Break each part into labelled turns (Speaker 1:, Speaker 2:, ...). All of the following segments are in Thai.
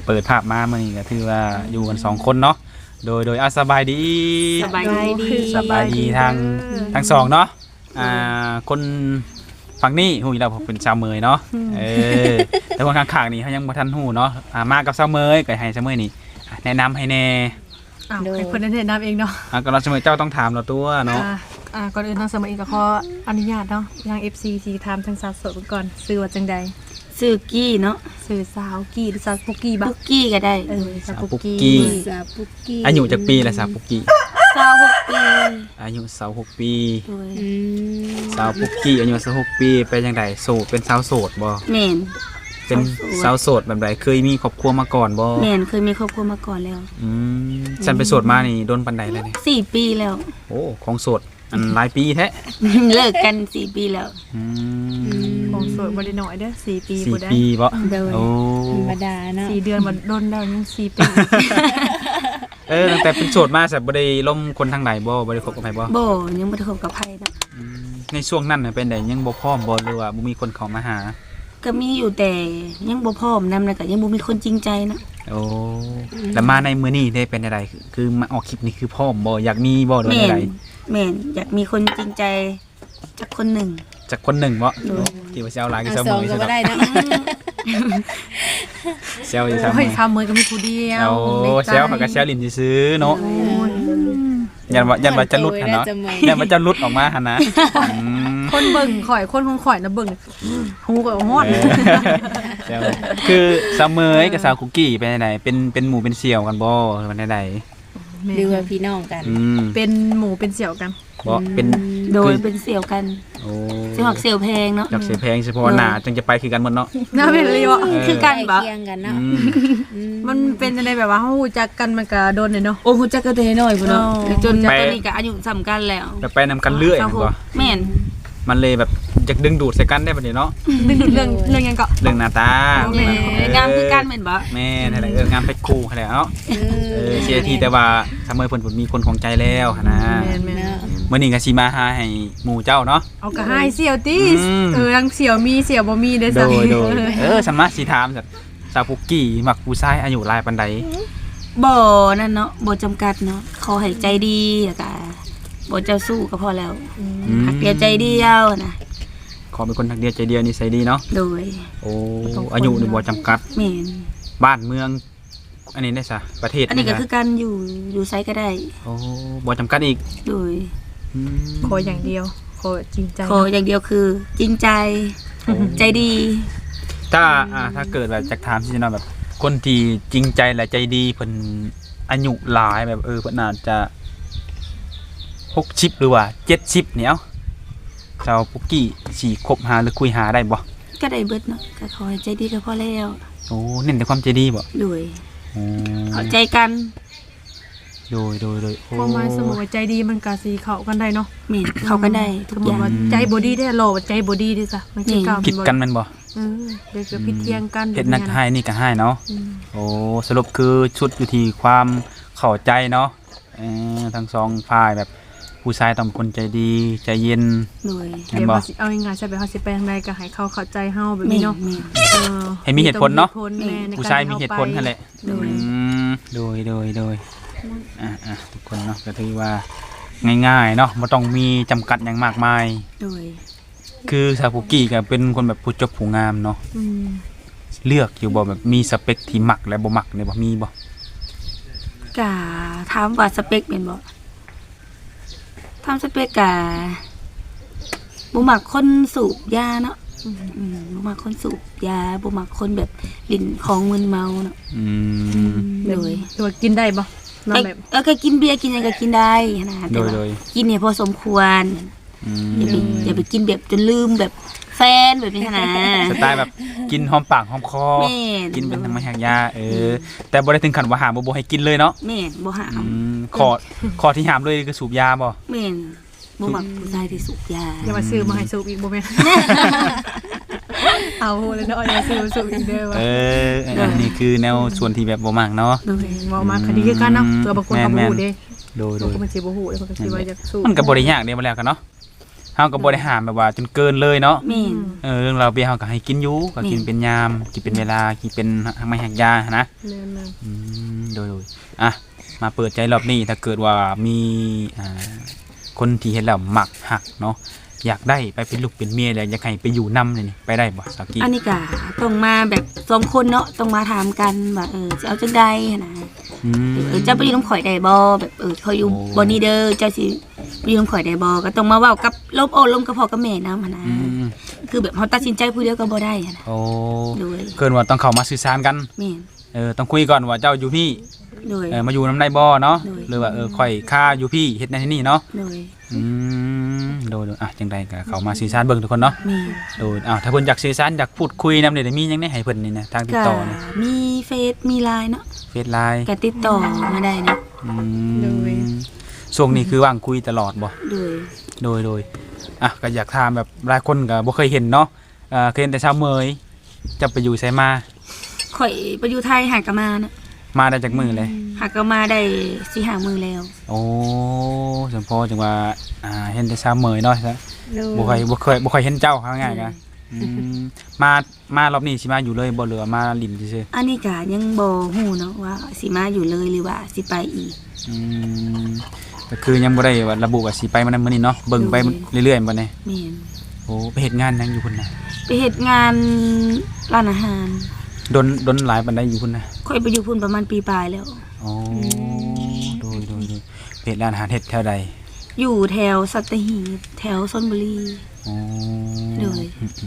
Speaker 1: เปิดภาพมามื้อนี้ก็ถือว่าอยู่กัน2คนเนาะโดยสบายดี
Speaker 2: สบายดี
Speaker 1: ทั้งสองเนาะคนฝั่งนี้ฮู้อยู่แล้วผมเป็นชาวเมยเนาะแต่คนข้างๆนี่เขายังบ่ทันฮู้เนาะมากับชาวเมยก็ให้ชาวเมยนี่แนะนำให้แน่
Speaker 3: ให้เพิ่นแนะนำเองเนาะ
Speaker 1: ก็เราชาวเมยเจ้าต้องถามเราตัวเนาะ
Speaker 3: ก่อนอื่นทางสมัยเองก็ขออนุญาตเนาะทาง FC สิถามทางสาวโสดก่อนชื่อว่าจังใด
Speaker 2: ชื่อกี้เนาะ
Speaker 3: ชื่อสาวกี้หรือสาวปุกกี้บ่
Speaker 2: ปุกกี้ก็ได้
Speaker 3: สาวปุกกี้
Speaker 1: อายุจักปีละสาวปุกกี้
Speaker 2: 26ปี
Speaker 1: อายุ26ปีสาวปุกกี้อายุ26ปีเป็นจังไดโสดเป็นสาวโสดบ่
Speaker 2: แม่น
Speaker 1: เป็นสาวโสดแบบใดเคยมีครอบครัวมาก่อนบ่
Speaker 2: แม่นเคยมีครอบครัวมาก่อนแล้ว
Speaker 1: ฉันไปโสดมานี่โดนปานใดแล้วนี่
Speaker 2: 4ปีแล้ว
Speaker 1: โอ้ของโสดอันหลายปีแท้
Speaker 2: เลิกกัน4ปีแล้ว
Speaker 3: ของโสดบ่ได้น้อยเด้อ4ปีบ่ได้
Speaker 1: 4ปีบ่
Speaker 3: โอ้ธรรมดาเนาะ4เดือนบ่โดนแล้วยัง4ปี
Speaker 1: ตั้งแต่เป็นโสดมาแต่บ่ได้ล้มคนทางไหนบ่ได้คบกับไผบ่
Speaker 2: ยังบ่ได้คบกับไผเนาะ
Speaker 1: ในช่วงนั้นน่ะเป็นไดยังบ่พร้อมบ่หรือว่าบ่มีคนเข้ามาหา
Speaker 2: ก็มีอยู่แต่ยังบ่พร้อมนำแล้วก็ยังบ่มีคนจริงใจนะ
Speaker 1: โอ้แล้วมาในมื้อนี้ได้เป็นไดคือมาออกคลิปนี้คือพร้อมบ่อยากมีบ่หรือได
Speaker 2: แม่นอยากมีคนจริงใจจักคนหนึ่ง
Speaker 1: บ่ที่ว่าสิเอาหลายก็เซามื้อ
Speaker 3: สิบ่ได้นะ
Speaker 1: เซลอยู่ซั่น
Speaker 3: เฮ้ยทำมื้อก็มีผู้เดียว
Speaker 1: โอ้เซลเขาก็เซลลิ้นซื่อๆเนาะยันว่าจะหลุดหั่นเนาะยันว่าจะหลุดออกมาหั่นนะ
Speaker 3: คนเบิ่งข่อยคนของข่อยน่ะเบิ่งฮู้ก็ฮอด
Speaker 1: คือซาเมยกับสาวคุกกี้เป็นไดเป็นหมู่เป็นเสี่ยวกันบ่มันได
Speaker 4: หรือว่าพี่น้องกัน
Speaker 3: เป็นหมู่เป็นเสี่ยวกัน
Speaker 1: บ่เป็น
Speaker 2: โดยเป็นเสี่ยวกัน
Speaker 1: โอ้
Speaker 2: สิมักเสี่ยวแพงเนาะ
Speaker 1: จักเสี่ยวแพงเฉพาะหน้าจังจะไปคือกันหมดเนาะ
Speaker 3: น่าเป็นเลยบ่
Speaker 2: คือกันบ่
Speaker 4: เคียงกันเนาะ
Speaker 3: มันเป็นจังได๋แบบว่าเฮาฮู้จักกันมันก็โดนเนาะ
Speaker 2: โอ้ฮู้จักกันแต่น้อยพุ่นเนาะจนตอนนี้ก็อายุซ้ำกันแล้ว
Speaker 1: ไปนำกันเรื่อยบ่
Speaker 2: แม่น
Speaker 1: มันเลยแบบอยากดึงดูดใส่กันได้บัดนี้เนาะ
Speaker 3: ดึงดูดเรื่องหยังก็
Speaker 1: เรื่องหน้าต
Speaker 2: างามคือกันแม่นบ่
Speaker 1: แม่นั่นแหละงามเพชรคู่นั่นแหละเนาะเสียทีแต่ว่าซาเมยเพิ่นมีคนของใจแล้วหั่นนะ
Speaker 3: แม่น
Speaker 1: ๆมื้อนี้ก็สิมาหาให้หมู่เจ้าเนาะ
Speaker 3: เอาก็ให้เสี่ยวติทั้งเสี่ยวมีเสี่ยวบ่มีเด้อซั่น
Speaker 1: โดยฉันมาสิถามสาวปุกกี้มักผู้ชายอายุหลายปานใด
Speaker 2: บ่นั่นเนาะบ่จำกัดเนาะขอให้ใจดีแล้วก็บ่เจ้าสู้ก็พอแล้วหักเดียวใจเดียวนะ
Speaker 1: ขอเป็นคนหักเดียวใจเดียวนิสัยดีเนาะ
Speaker 2: โดย
Speaker 1: โอ้อายุนี่บ่จำกัด
Speaker 2: แม่น
Speaker 1: บ้านเมืองอันนี้ได้ซะประเทศ
Speaker 2: อันนี้ก็คือการอยู่ไสก็ได้
Speaker 1: โอ้บ่จำกัดอีก
Speaker 2: โดย
Speaker 3: ขออย่างเดียวขอจริงใจ
Speaker 2: ขออย่างเดียวคือจริงใจใจดี
Speaker 1: ถ้าเกิดแบบจักถามสิเนาะแบบคนที่จริงใจและใจดีเพิ่นอายุหลายแบบเพิ่นน่าจะ60หรือว่า70เนี่ยเจ้าปุกกี้สิคบหาหรือคุยหาได้บ่
Speaker 2: ก็ได้เบิดเนาะก็ขอให้ใจดีก็พอแล้ว
Speaker 1: โอ้เน้นแต่ความใจดีบ่
Speaker 2: โดยเข้าใจกัน
Speaker 1: โดย
Speaker 3: ความหมายสมมุติว่าใจดีมันก็สิเข้ากันได้เนาะ
Speaker 2: แม่นเข้ากันได้ทุกอย่าง
Speaker 3: ว่าใจบ่ดีได้หล่อใจบ่ดีดิซะมันสิก้าว
Speaker 1: ผิดกันแม่นบ่
Speaker 3: เดี๋ยวจะผิดเถียงกัน
Speaker 1: เฮ็ดนักให้นี่ก็ให้เนาะโอ้สรุปคือชุดอยู่ที่ความเข้าใจเนาะทั้งสองฝ่ายแบบผู้ชายต้องเป็นคนใจดีใจเย็น
Speaker 3: เดี๋ยวเอาง่ายๆใช่แบบเฮาสิไปทางใดก็ให้เขาเข้าใจเฮาแบบนี้เนาะ
Speaker 1: ให้มีเหตุผลเนาะผู้ชายมีเหตุผลนั่นแหละโดยทุกคนเนาะก็ถือว่าง่ายๆเนาะบ่ต้องมีจำกัดอย่างมากมายคือสาวปุกกี้ก็เป็นคนแบบผู้จบผู้งามเนาะเลือกอยู่บ่แบบมีสเปคที่มักและบ่มักเนี่ยบ่มีบ่
Speaker 2: ก็ถามว่าสเปคเป็นบ่ทำสเปกกะบุมักคนสูบยาเนาะบุมักคนสูบยาบุมักคนแบบลิ่นของมึนเมาเนาะ
Speaker 3: เลยตัวกินได้ปะ
Speaker 2: นอนแบบก็กินเบียร์กินอะไรก็กินได้นะแต่ว่ากินเนี่ยพอสมควรอย่าไปกินแบบจนลืมแบบแฟนแบบนี้นะ
Speaker 1: สไตล์แบบกินหอมปากหอมคอกินเป็นธรรมชาติยาแต่บ่ได้ถึงขั้นว่าห้ามบ่ให้กินเลยเนาะ
Speaker 2: แม่นบ่ห้าม
Speaker 1: ขอที่ห้ามเลยคือสูบยาบ่
Speaker 2: แม่นบ่มักผู้ชายที่สูบยา
Speaker 3: อย่ามาซื้อมาให้สูบอีกบ่แม่นเอาเลยเนาะอย่าซื้อสูบอีกเด้อ
Speaker 1: อันนี้คือแนวส่วนที่แบบบ่มักเนาะ
Speaker 3: บ่มักคดีคือกันเนาะตัวบางคนก็บ่ฮู้เด้โดยมันสิบ่ฮู้เด้มันก็สิว่าอยากสูบ
Speaker 1: มันก็บ่ได้ยากเด้บ่แล้วกันเนาะเฮาก็บ่ได้ห้ามแบบว่าจนเกินเลยเนาะ
Speaker 2: แม่น
Speaker 1: เรื่องเราเบียร์เฮาก็ให้กินอยู่ก็กินเป็นยามกินเป็นเวลากินเป็นไม่หักยานะ
Speaker 3: แม่น
Speaker 1: โดยอ่ะมาเปิดใจรอบนี้ถ้าเกิดว่ามีคนที่เห็นแล้วมักหักเนาะอยากได้ไปเป็นลูกเป็นเมียแล้วอยากให้ไปอยู่นำเลยนี่ไปได้บ่สาวกี้
Speaker 2: อันนี้ก็ต้องมาแบบ2คนเนาะต้องมาถามกันว่าสิเอาจังใดหันนะ เจ้าไปอยู่น้ำข่อยได้บ่แบบเขาอยู่บ่นี่เด้อเจ้าสิไปอยู่น้ำข่อยได้บ่ก็ต้องมาเว้ากับลมโอ้ลมกับพ่อกับแม่นำหั่นนะคือแบบเฮาตัดสินใจผู้เดียวก็บ่ได้หั่นนะ
Speaker 1: โอ้
Speaker 2: โดย
Speaker 1: เกินว่าต้องเข้ามาสื่อสารกัน
Speaker 2: แม่น
Speaker 1: ต้องคุยก่อนว่าเจ้าอยู่พี่
Speaker 2: โดย
Speaker 1: มาอยู่น้ำได้บ่เนาะ
Speaker 2: โดย
Speaker 1: หรือว่าค่อยค่าอยู่พี่เฮ็ดนั่นนี่เนาะ
Speaker 2: โดย
Speaker 1: โดยอ่ะจังไดก็เข้ามาสื่อสารเบิ่งทุกคนเนาะ
Speaker 2: แม่น
Speaker 1: โดยถ้าเพิ่นอยากสื่อสารอยากพูดคุยนำได้มีหยังได้ให้เพิ่นนี่นะทางติด
Speaker 2: ก็
Speaker 1: ต่อนี่
Speaker 2: มีเฟซมีไลน์เนาะ
Speaker 1: เฟซไลน์
Speaker 2: ก็ติดต่อมาได้นะ
Speaker 1: ช่วงนี้คือว่างคุยตลอดบ่
Speaker 2: โดย
Speaker 1: อ่ะก็อยากถามแบบหลายคนก็บ่เคยเห็นเนาะเคยเห็นแต่ชาวเมยจะไปอยู่ไสมา
Speaker 2: ข่อยไปอยู่ไทยหากะมานะ
Speaker 1: มาได้จากมือเลย
Speaker 2: หากะมาได้4-5 มื้อแล้ว
Speaker 1: โอ้สมพอจังว่าเห็นแต่ชาวเมยเนาะซะบ่ค่อยเห็นเจ้าเขาง่ายๆกันมารอบนี้สิมาอยู่เลยบ่เหลือมาลิ้นซื่อ
Speaker 2: อันนี้ก็ยังบ่ฮู้เนาะว่าสิมาอยู่เลยหรือว่าสิไปอีก
Speaker 1: ก็คือยังบ่ได้ว่าระบุว่าสิไปมื้อนั้นมื้อนี้เนาะเบิ่งไปเรื่อยๆบ่แน่
Speaker 2: แม่น
Speaker 1: โอ้ไปเฮ็ดงานหยังอยู่พุ่นน่ะ
Speaker 2: ไปเฮ็ดงานร้านอาหาร
Speaker 1: ดนหลายปานใดอยู่พุ่นน่ะ
Speaker 2: ค่อยไปอยู่พุ่นประมาณปีปลายแล้ว
Speaker 1: อ๋อโดยเฮ็ดร้านอาหารเฮ็ดแถวใด
Speaker 2: อยู่แถวสัตหีบแถวชลบุรี
Speaker 1: อ๋อ
Speaker 2: โดย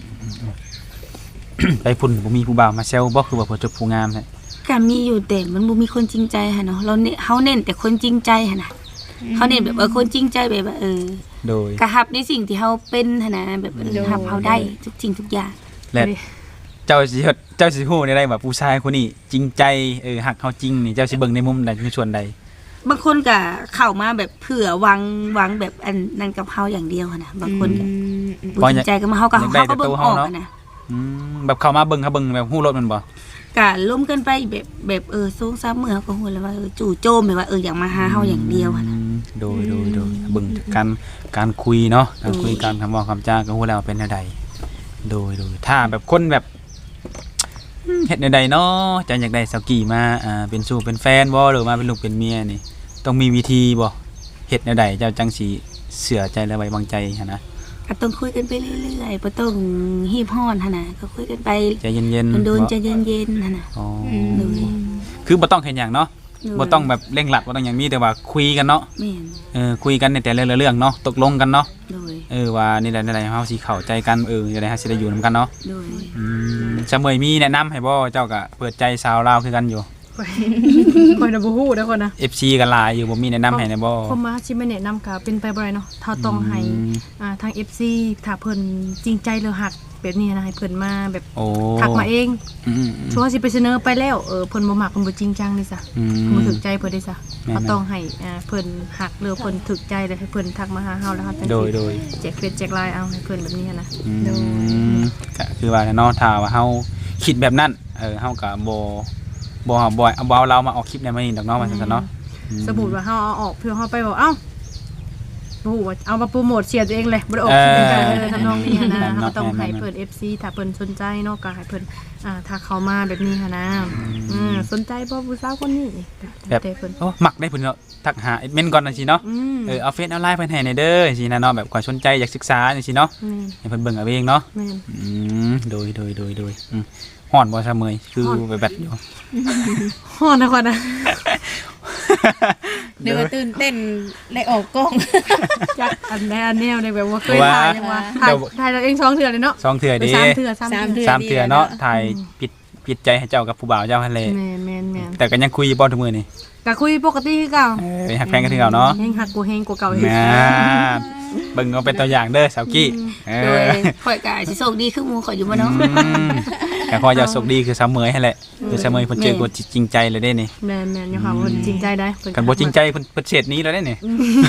Speaker 1: ไปพุ่นบ่มีผู้บ่าวมาแซวบ่คือว่าผู้จบผู้งามแท้
Speaker 2: ก็มีอยู่แต่มันบ่มีคนจริงใจหั่นเนาะเฮาเน้นแต่คนจริงใจหั่นน่ะเขาเน้นแบบคนจริงใจแบบว่า
Speaker 1: โดย
Speaker 2: กะรับในสิ่งที่เฮาเป็นหั่นน่ะแบบรับเฮาได้ทุกสิ่งทุกอย่าง
Speaker 1: และเจ้าสิฮู้ได้ว่าผู้ชายคนนี้จริงใจฮักเฮาจริงนี่เจ้าสิเบิ่งในมุมใดในส่วนใด
Speaker 2: บางคนก็เข้ามาแบบเผื่อหวังแบบอันนั้นกับเฮาอย่างเดียวหั่นน่ะบางคนก็บ่จริงใจกับเฮาก็เบิ่งออกหั่นน่ะ
Speaker 1: แบบเข้ามาเบิ่งแบบฮู้รถมันบ่
Speaker 2: ก็ล้มกันไปแบบ2-3มื้อเฮาก็ฮู้แล้วว่าจู่โจมแบบว่าอยากมาหาเฮาอย่างเดียวหั่นน่ะ
Speaker 1: โดยเบิ่งการคุยเนาะการคุยการคำเว้าคำจาก็ฮู้แล้วว่าเป็นแนวใดโดยถ้าแบบคนแบบเฮ็ดแนวใดเนาะจะอยากได้สาวกี่มาเป็นสู่เป็นแฟนบ่หรือมาเป็นลูกเป็นเมียนี่ต้องมีวิธีบ่เฮ็ดแนวใดเจ้าจังสิเชื่อใจและไว้วางใจหั่นนะ
Speaker 2: ก็ต้องคุยกันไปเรื่อยๆบ่ต้องฮีบฮ้อนหั่นน่ะก็คุยกันไป
Speaker 1: ใจเย็นๆ
Speaker 2: โดนๆใจเย็นๆหั่นน่ะ
Speaker 1: อ๋อ
Speaker 2: เลย
Speaker 1: คือบ่ต้องเฮ็ดหยังเนาะบ่ต้องแบบเร่งรัดบ่ต้องหยังมีแต่ว่าคุยกันเนาะ
Speaker 2: แม่น
Speaker 1: คุยกันในแต่ละเรื่องเนาะตกลงกันเนาะ
Speaker 2: โดย
Speaker 1: ว่านี่แหละเฮาสิเข้าใจกันจะได้เฮาสิได้อยู่นํกันเนาะ
Speaker 2: โดย
Speaker 1: จะเมยมีแนะนำให้บ่เจ้าก็เปิดใจสาวลาวคือกันอยู่
Speaker 3: คนน่ะบ่ฮู้เด้อคนนะ
Speaker 1: FC กันหลายอยู่บ่มีแนะนำให้นะบ่
Speaker 3: ผมมาสิไม่แนะนำก็เป็นไปบ่ได้เนาะถ้าต้องให้ทาง FC ถ้าเพิ่นจริงใจหรือฮักแบบนี้นะให้เพิ่นมาแบบ
Speaker 1: โอ้
Speaker 3: ทักมาเอง
Speaker 1: อืม
Speaker 3: ชัวร์สิไปเสนอไปแล้วเพิ่นบ่มักเพิ่นบ่จริงจังนี่ซะ
Speaker 1: อืม
Speaker 3: เพิ่นบ่ถูกใจเพิ่นได้ซะ
Speaker 1: แม่นๆ
Speaker 3: เขาต้องให้เพิ่นฮักหรือเพิ่นถูกใจแล้วให้เพิ่นทักมาหาเฮาแล้วเฮาจัง
Speaker 1: โดย
Speaker 3: สิแจกเฟซแจกไลน์เอาให้เพิ่นแบบนี้นะ
Speaker 1: ก็คือว่าเนาะถ้าว่าเฮาคิดแบบนั้นเฮาก็บ่เอาเรามาออกคลิปในมื้อนี้ดอกเนาะว่าซั่นเนาะ
Speaker 3: สมมุติว่าเฮาเอาออกเพื่อเฮาไปบอกเอ้าบ่ฮู้ว่าเอามาโปรโมทเสียตัวเองเลยบ่ได้ออกคลิปเป็นการทำนองนี้นะเฮาต้องให้เพิ่น FC ถ้าเพิ่นสนใจเนาะก็ให้เพิ่นถ้าเข้ามาแบบนี้หันนะสนใจบ่ผู้สาวคนนี้
Speaker 1: แบบ
Speaker 3: แต่เพิ่น
Speaker 1: โอ้มักได้เพิ่นเนาะทักหาแอดมินก่อนจังซี่เนาะเอาเฟซเอาไลน์เพิ่นให้ในเด้อจังซี่นะเนาะแบบความสนใจอยากศึกษาจังซี่เนาะให้เพิ่นเบิ่งเอาเองเนาะ
Speaker 3: แม่น
Speaker 1: โดยฮ้อนบ่ซะเมยคือแบบอยู่
Speaker 3: ฮ้อนนะคนนะ
Speaker 4: เดี๋ยวตื่นเต้นได้ออกกล้อง
Speaker 3: จักอันแนวในแบบว่าเคยถ่ายยังว่าถ่ายเราเอง2เทื่อเลยเนาะ
Speaker 1: 2เทื่อดิ
Speaker 3: 3เทื่อ
Speaker 1: 3เทื่อเนาะถ่ายปิดใจให้เจ้ากับผู้บ่าวเจ้าหั่นแหละ
Speaker 3: แม่น
Speaker 1: แต่ก็ยังคุยบ่ทุกมื้อนี่
Speaker 3: ก็คุยปกติคือเก่า
Speaker 1: ฮักแฟนกันคือเก่าเนาะ
Speaker 3: เฮงหักกูเฮงกูเก่าเฮง
Speaker 1: เบิ่งเอาเป็นตัวอย่างเด้อสาวกี้
Speaker 2: โดยข่อยก็สิโชคดีคือหมู่ข่อยอยู่บ่เนาะ
Speaker 1: ก็ขออย่าสุขดีคือสาวเมยให้แหละคือสาวเมยเพิ่นเจอคนจริงใจเลยเด้นี่
Speaker 3: แม่นอยู่ค่ะเพิ่นจริงใจได้
Speaker 1: กันบ่จริงใจเพิ่นเฉดนี้แล้วเด้นี่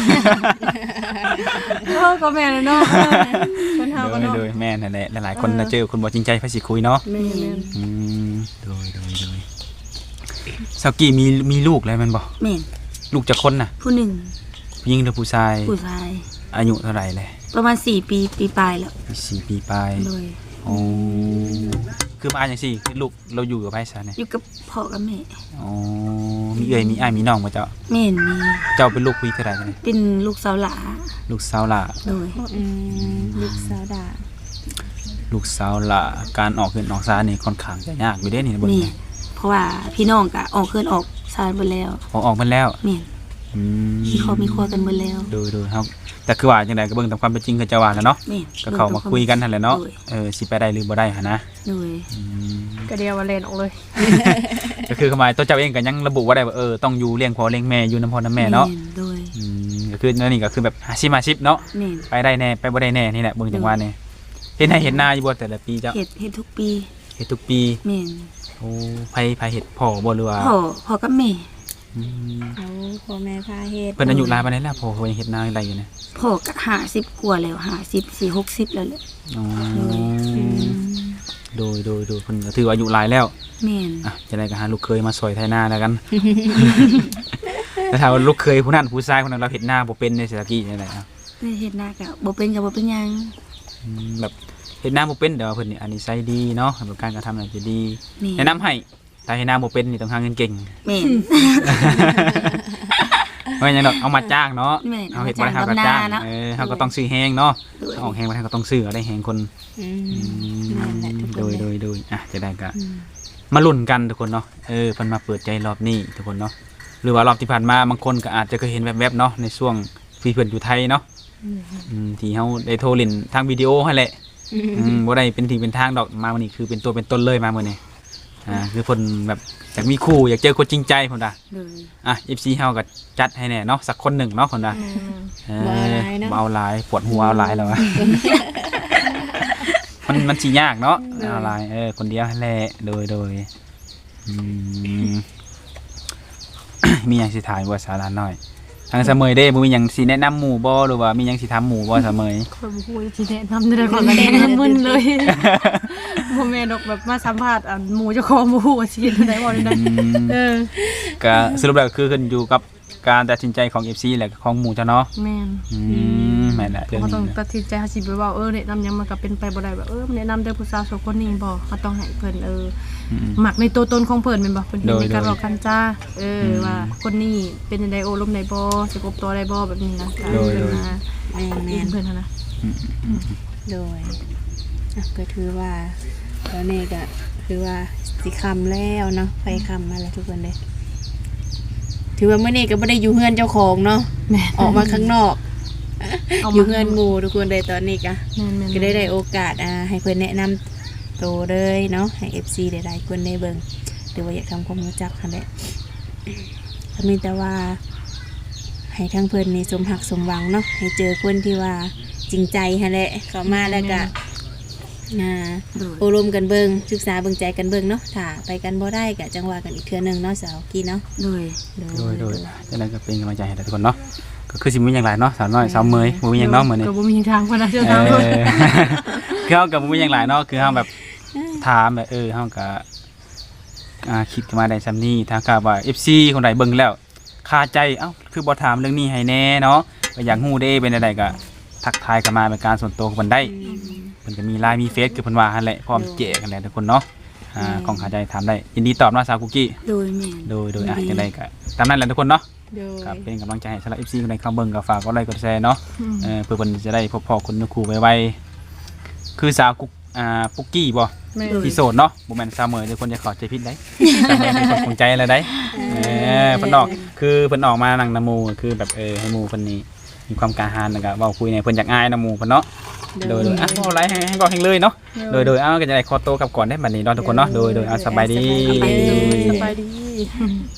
Speaker 3: ก็แม่เลยเนาะเพิ่นเฮาก็เนาะ
Speaker 1: โดยแม่นั่นแหละหลายๆคนเจอคนบ่จริงใจเพิ่นสิคุยเนาะ
Speaker 3: แม่น
Speaker 1: โดยสาวกี้มีลูกแล้วแม่นบ่
Speaker 2: แม่น
Speaker 1: ลูกจักคนน่ะ
Speaker 2: ผู้หนึ่ง
Speaker 1: ผู้หญิงหรือผู้ชาย
Speaker 2: ผู้ชาย
Speaker 1: ออายุเท่าไหร่เลย
Speaker 2: ประมาณ4 ปีปลายแล้ว
Speaker 1: 4 ปีปลาย
Speaker 2: โดย
Speaker 1: โอ้คือมาจังซี่คือลูกเราอยู่กับไผซะเนี่ย
Speaker 2: อยู่กับพ่อกับแม่
Speaker 1: อ๋อมีเอ้ยมีอ้ายมีน้องบ่เจ้า
Speaker 2: แม่นมี
Speaker 1: เจ้าเป็นลูกผู้เท่าไหร่เนี่ย
Speaker 2: เป็นลูกสาวหลา
Speaker 1: ลูกสาวหล่า
Speaker 2: โดย
Speaker 4: ลูกสาวดา
Speaker 1: ลูกสาวหล่าการออกขึ้นออกซานนี่ค่อนข้างจะยากอยู่เด้นี่เบิ่ง
Speaker 2: แม่
Speaker 1: นี่
Speaker 2: นเพราะว่าพี่น้องก็ออกเคินออกซานเบิดแล้ว
Speaker 1: ออกมาแล้ว
Speaker 2: แม่น
Speaker 1: อืม
Speaker 2: มีครอบมีครัวกันเบิดแล้ว
Speaker 1: ดูครับแต่คือว่าจังไดก็เบิ่งตามความเป็นจริงคือเจ้าว่าแหล้วเนาะ
Speaker 2: แม่น
Speaker 1: ก็เข้ามาคุยกันนั่นแหละเนาะ
Speaker 2: โดย
Speaker 1: สิไปได้หรือบ่ได้หั่นนะ
Speaker 2: โดย
Speaker 1: อืม
Speaker 3: ก็เดียวว่าเล่นออกเลย
Speaker 1: ก็คือเข้ามาตัวเจ้าเองก็ยังระบุว่าได้ว่าต้องอยู่เลี้ยงพ่อเลี้ยงแม่อยู่นำพ่อนำแม่เนาะ
Speaker 2: โดย
Speaker 1: ก็คือนั่นนี่ก็คือแบบ50-50เนาะ
Speaker 2: แม่น
Speaker 1: ไปได้แน่ไปบ่ได้แน่นี่แหละเบิ่งจังว่านี่เฮ็ดให้เฮ็ดนาอยู่บ่แต่ละปีเจ้า
Speaker 2: เฮ็ดทุกปี
Speaker 1: เฮ็ดทุกปี
Speaker 2: แม่น
Speaker 1: โอ้ไผเฮ็ดพ่อบ่หรือว่า
Speaker 2: พ่อกับแม่
Speaker 1: อืม
Speaker 4: เอาพ่อแม่พาเฮ็ด
Speaker 1: เพิ่นอายุหลายปานใดแล้วพ่อเขายังเฮ็ดนาอะไรอยู่เนี่ย
Speaker 2: พ่อก็50กว่าแล้ว50 60แล้วแหละ
Speaker 1: อ๋อโดยเพิ่นก็ถือว่าอายุหลายแล้ว
Speaker 2: แม่น
Speaker 1: อ่ะจะได้ก็หาลูกเคยมาซอยไถนาแล้วกัน แต่ถ้าว่าลูกเคยผู้นั้นผู้ชายคนนั้นเราเฮ็ดนาบ่เป็นในเศรษฐกิจจังได๋อ่ะ
Speaker 2: เฮ็ดนาก็บ่เป็นก็บ่เป็นหยัง
Speaker 1: แบบเฮ็ดนาบ่เป็นแต่ว่าเพิ่นนี่อันนี้ใช้ดีเนาะแบบการกระทำน่าจะดี
Speaker 2: แม่
Speaker 1: แนะนำให้ถ้าเฮ็ดนาบ่เป็นนี่ต้องหาเงินเก่ง
Speaker 2: แม่น
Speaker 1: ว่าหยังดอกเอามาจ้างเนาะ
Speaker 2: แม่น
Speaker 1: เอาเฮ็ดบ่ได้เฮาก็จ้าง
Speaker 2: เอามาจ้างเนาะ
Speaker 1: เฮาก็ต้องซื้อแฮงเนาะ
Speaker 2: โดย
Speaker 1: เอาออกแฮงบ่ได้ก็ต้องซื้อเอาได้แฮงคน
Speaker 4: นั่นแหละทุกคน
Speaker 1: โดยอ่ะจะได้ก็มาลุ้นกันทุกคนเนาะเพิ่นมาเปิดใจรอบนี้ทุกคนเนาะหรือว่ารอบที่ผ่านมาบางคนก็อาจจะเคยเห็นแวบๆเนาะในช่วงที่เพิ่นอยู่ไทยเนาะที่เฮาได้โทรเล่นทางวิดีโอให้แหละบ่ได้เป็นทีเป็นทางดอกมาวันนี้คือเป็นตัวเป็นต้นเลยมามื้อนี้คือเพิ่นแบบอยากมีคู่อยากเจอคนจริงใจเพิ่นว่า
Speaker 2: โดย
Speaker 1: FC เฮาก็จัดให้แน่เนาะสักคนหนึ่งเนาะเพิ่นว่าบ่เอาหลายปวดหัวเอาหลายแล้ว มันสิยากเนาะเอาหลายคนเดียวแหละโดยมีหยังสิถามว่าสาระน้อยทางเสมอเด้บ่มีหยังสิแนะนำหมู่บ่หรือว่ามีหยังสิถามหมู่บ่เสมอ
Speaker 3: คนบ่ฮู้สิแนะนำได้ก่อนละแนะนำมึนเลยบ่แม่นดอกแบบมาสัมภาษณ์หมู่เจ้าของบ่ฮู้ว่าสิเฮ็ดจังได๋บ่ได้
Speaker 1: ก็สรุปแล้วคือขึ้นอยู่กับการตัดสินใจของ FC และของหมู่เจ้าเนาะ
Speaker 3: แม่น
Speaker 1: แม่นแหละเรื่อง
Speaker 3: เขาต้อง
Speaker 1: นี้
Speaker 3: ตัดสินใจสิไปว่าแนะนำหยังมันก็เป็นไปบ่ได้แบบแนะนำได้ผู้สาว2คนนี้บ่เขาต้องให้เพิ่นหมักในตัวตนของเพิ่นแม่นบ่เพิ่นมีการบอกกันจ้าว่าคนนี้เป็นจังได๋โอ้ลมได้บ่สิกบตัวได้บ่แบบนี้นะการเพิ่นมา
Speaker 4: แม่น
Speaker 3: เพิ่นนะ
Speaker 4: โดยก็ถือว่าตอนนี้ก็คือว่าสิคำแล้วเนาะไปคำมาแล้วทุกคนเลยถือว่าเมื่อนี้ก็ไม่ได้อยู่เฮือนเจ้าของเนาะออกมาข้างนอกอยู่เฮือนหมู่ทุกคนเลยตอนนี้ก็ได้โอกาสให้เพื่อนแนะนำตัวเลยเนาะให้ FC ได้หลายคนได้เบิ่งหรือว่าอยากทำความรู้จักกันแหละก็มีแต่ว่าให้ทั้งเพื่อนนี่สมหักสมหวังเนาะให้เจอคนที่ว่าจริงใจฮะแหละเข้ามาแล้วก็โอรมกันเบิ่งศึกษาเบิ่งใจกันเบิ่งเนาะถ้าไปกันบ่ได้ก็จังว่ากันอีกเทื่อนึงเนาะสาวกี้เนาะ
Speaker 2: โดย
Speaker 1: จะได้ก็เป็นกำลังใจให้ทุกคนเนาะก็คือสิมีอย่างไรเนาะสาวน้อยสาวเมยบ่มีหยังเนาะมื้อนี้
Speaker 3: ก็บ่มีทางพนะเจ้าทาง
Speaker 1: คือเฮาก็บ่มีหยังหลายเนาะคือเฮาแบบถามแบบเฮาก็คิดขึ้นมาได้ซำนี้ถ้าก็ว่า FC คนใดเบิ่งแล้วคาใจคือบ่ถามเรื่องนี้ให้แน่เนาะก็อยากฮู้เด้เป็นจังไดก็ทักทายกันมาเป็นการส่วนตัวกันได้เพิ่นก็มีไลน์มีเฟซคือเพิ่นว่าหั่นแหละพร้อมแจกกันแหละทุกคนเนาะของคาใจถามได้ยินดีตอบเนาะสาวกุกกี้
Speaker 2: โดยแม่น
Speaker 1: โดยจังไดก็ตามนั้นแหละทุกคนเนาะครับเป็นกำลังใจให้สำหรับ FC คนใดเข้าเบิ่งก็ฝากกดไลค์กดแชร์เนาะเพื่อเพิ่นจะได้พบพ่อคนคู่ไวๆคือสาวกุกปุกกี้บ่ที่โสดเนาะบ่แม่นสาวเมยทุกคนจะเข้าใจผิดได้สาวเมยเป็นคนคงใจอะไรได้เพิ่นออกคือเพิ่นออกมานั่งนำหมู่คือแบบให้หมู่เพิ่นนี่มีความกล้าหาญแล้วก็เว้าคุยเนี่ยเพิ่นอยากอายนำหมู่เพิ่นเนาะโดยเอาไลค์ให้บอกให้เลยเนาะโดยเอาก็จะได้ขอโตวกลับก่อนได้บัดนี้เนาะทุกคนเนาะโดยเอาสบายดี
Speaker 3: สบายดี